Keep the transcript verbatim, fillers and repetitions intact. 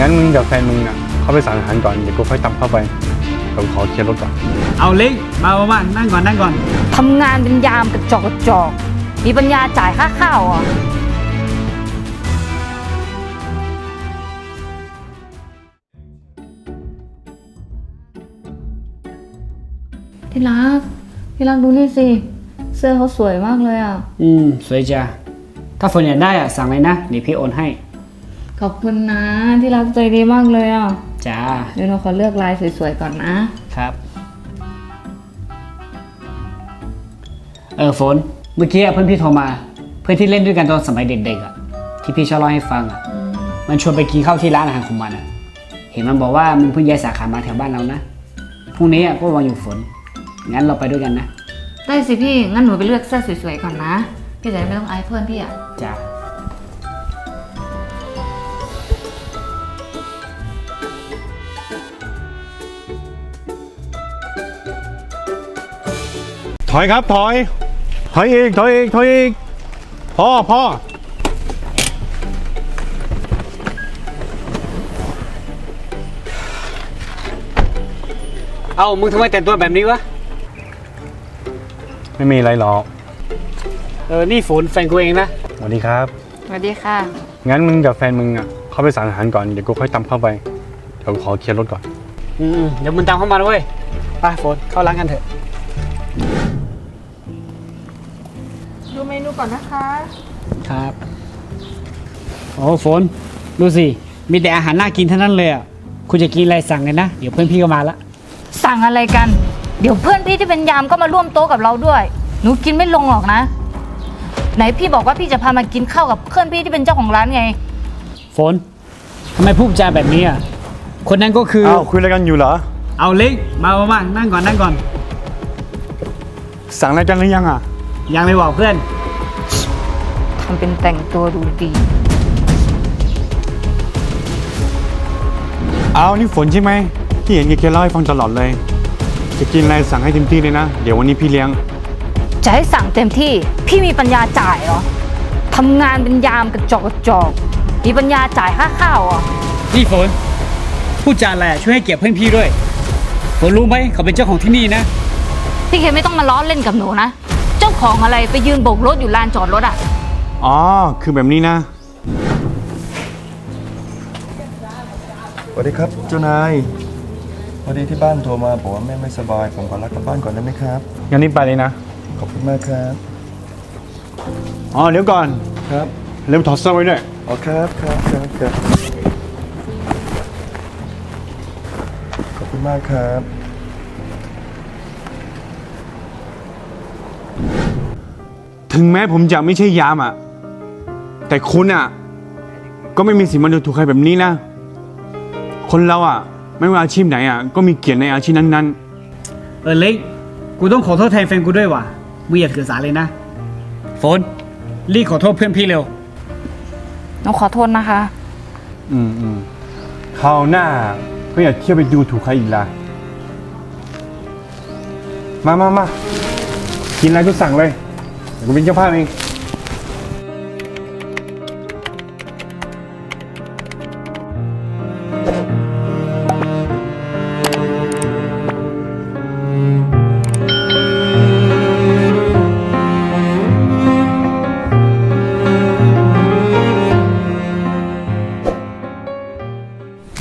งั้นมึงกับแฟนมึงอ่ะเข้าไปสั่งอาหารก่อนเดี๋ยวกูค่อยตามเข้าไปเดี๋ยวขอเคลียร์รถก่อนเอาเล็กมามานั่งก่อนนั่งก่อนทำงานเป็นยามกระจอกกระจอกมีปัญญาจ่ายค่าข้าวอ่ะที่รักที่รักดูนี่สิเสื้อเขาสวยมากเลยอ่ะอืมสวยจ้ะถ้าฝนอยากได้อ่ะสั่งเลยนะเดี๋ยวพี่โอนให้ขอบคุณนะที่รักใจดีมากเลยอ่ะจ้าเดี๋ยวเราขอเลือกลายสวยๆก่อนนะครับเออฝนเมื่อกี้เพื่อนพี่โทรมาเพื่อนที่เล่นด้วยกันตอนสมัยเด็กๆอ่ะที่พี่ชอบเล่าให้ฟังอ่ะมันชวนไปกินข้าวที่ร้านอาหารของมันอ่ะเห็นมันบอกว่ามึงเพิ่งย้ายสาขามาแถวบ้านเรานะพรุ่งนี้อ่ะก็วางอยู่ฝนงั้นเราไปด้วยกันนะได้สิพี่งั้นหนูไปเลือกเสื้อสวยๆก่อนนะพี่จะไม่ต้องอายเพื่อนพี่อ่ะจ้าถอยครับถอยถอยอีกถอยอีกถอยอีกพ่อพ่อเอามึงทำไมแต่งตัวแบบนี้วะไม่มีอะไรหรอกเออนี่ฝนแฟนกูเองนะสวัสดีครับสวัสดีค่ะงั้นมึงกับแฟนมึงอ่ะเข้าไปสั่งอาหารก่อนเดี๋ยวกูค่อยตามเข้าไปเดี๋ยวขอเคลียร์รถก่อนอืมเดี๋ยวมึงตามเข้ามาด้วยไปฝนเข้าร้านกันเถอะดูเมนูก่อนนะคะครับโอ้ฝนดูสิมีแต่อาหารน่ากินทั้งนั้นเลยอ่ะคุณจะกินอะไรสั่งเลยนะเดี๋ยวเพื่อนพี่ก็มาละสั่งอะไรกันเดี๋ยวเพื่อนพี่ที่เป็นยามก็มาร่วมโต๊ะกับเราด้วยหนูกินไม่ลงหรอกนะไหนพี่บอกว่าพี่จะพามากินข้าวกับเพื่อนพี่ที่เป็นเจ้าของร้านไงฝนทำไมพูดจาแบบนี้อ่ะคนนั้นก็คืออ้าวคุยอะไรกันอยู่เหรอเอาเล็กมามามานั่งก่อนนั่งก่อนสั่งอะไรกันหรือยังอ่ะยังไม่บอกเพื่อนทำเป็นแต่งตัวดูดีเอานี่ฝนใช่ไหมที่เห็นแกเล่าให้ฟังตลอดเลยจะกินอะไรสั่งให้เต็มที่เลยนะเดี๋ยววันนี้พี่เลี้ยงจะให้สั่งเต็มที่พี่มีปัญญาจ่ายเหรอทำงานเป็นยามกระจอกกระจอกมีปัญญาจ่ายค่าข้าวอ่ะนี่ฝนพูดจาอะไรช่วยให้เกียรติเพื่อนพี่ด้วยฝนรู้ไหมเขาเป็นเจ้าของที่นี่นะพี่เคไม่ต้องมาล้อเล่นกับหนูนะเจ้าของอะไรไปยืนโบกรถอยู่ลานจอดรถอ่ะอ๋อคือแบบนี้นะสวัสดีครับเจ้านายพอดีที่บ้านโทรมาบอกว่าแม่ไม่สบายผมขอลากลับบ้านก่อนได้ไหมครับงั้นนี่ไปเลยนะขอบคุณมากครับอ๋อเดี๋ยวก่อนครับเริ่มถอดเสื้อไว้ด้วยอ๋อครับครับครับครับขอบคุณมากครับถึงแม้ผมจะไม่ใช่ยามอ่ะแต่คุณอ่ะก็ไม่มีสิทธิ์มาดูถูกใครแบบนี้นะคนเราอ่ะไม่ว่าอาชีพไหนอ่ะก็มีเกียรติในอาชีพนั้นๆเออเล็กกูต้องขอโทษแทนแฟนกูด้วยว่ะมึงอย่าถือสาเลยนะฝนรีบขอโทษเพื่อนพี่เร็วหนูขอโทษนะคะอืมอืมคราวหน้าก็อย่าเที่ยวไปดูถูกใครอีกละมามามากินอะไรก็สั่งเลยเดี๋ยวกูเป็นเจ้าภาพเอง